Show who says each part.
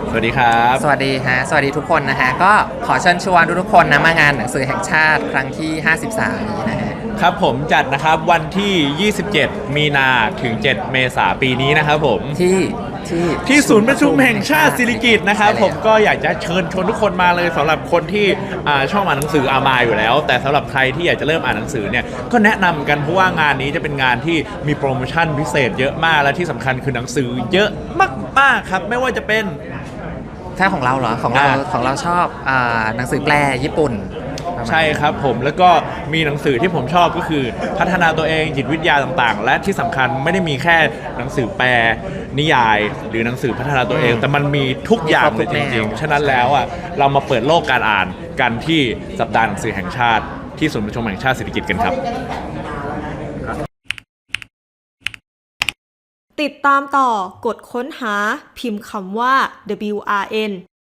Speaker 1: สวัสดีครับ
Speaker 2: สวัสดีฮะสวัสดีทุกคนนะฮะก็ขอเชิญชวนทุกๆคนนะมางานหนังสือแห่งชาติครั้งที่53นี้นะฮะ
Speaker 1: ครับผมจัดนะครับวันที่ 27 มีนาถึง 7 เมษายนปีนี้นะครับผม
Speaker 2: ที่
Speaker 1: ศูนย์ประชุมแห่งชาติสิริกิติ์นะครับ
Speaker 2: ใช่แล้ว
Speaker 1: ผมก็อยากจะเชิญชวนทุกคนมาเลยสำหรับคนที่ชอบอ่านหนังสือมาอยู่แล้วแต่สำหรับใครที่อยากจะเริ่มอ่านหนังสือเนี่ยก็แนะนำกันเพราะว่างานนี้จะเป็นงานที่มีโปรโมชั่นพิเศษเยอะมากและที่สำคัญคือหนังสือเยอะมากๆครับไม่ว่าจะเป็น
Speaker 2: ถ้าของเราเหรอของเราชอบหนังสือแปลญี่ปุ่น
Speaker 1: ใช่ครับผมแล้วก็มีหนังสือที่ผมชอบก็คือพัฒนาตัวเองจิตวิทยาต่างๆและที่สำคัญไม่ได้มีแค่หนังสือแปลนิยายหรือหนังสือพัฒนาตัวเองแต่มันมีทุกอย่างเลยจริงๆฉะนั้นแล้วเรามาเปิดโลกการอ่านกันที่สัปดาห์หนังสือแห่งชาติที่ศูนย์ประชุมแห่งชาติเศรษฐกิจกันครับ
Speaker 3: ติดตามต่อกดค้นหาพิมพ์คำว่า WRN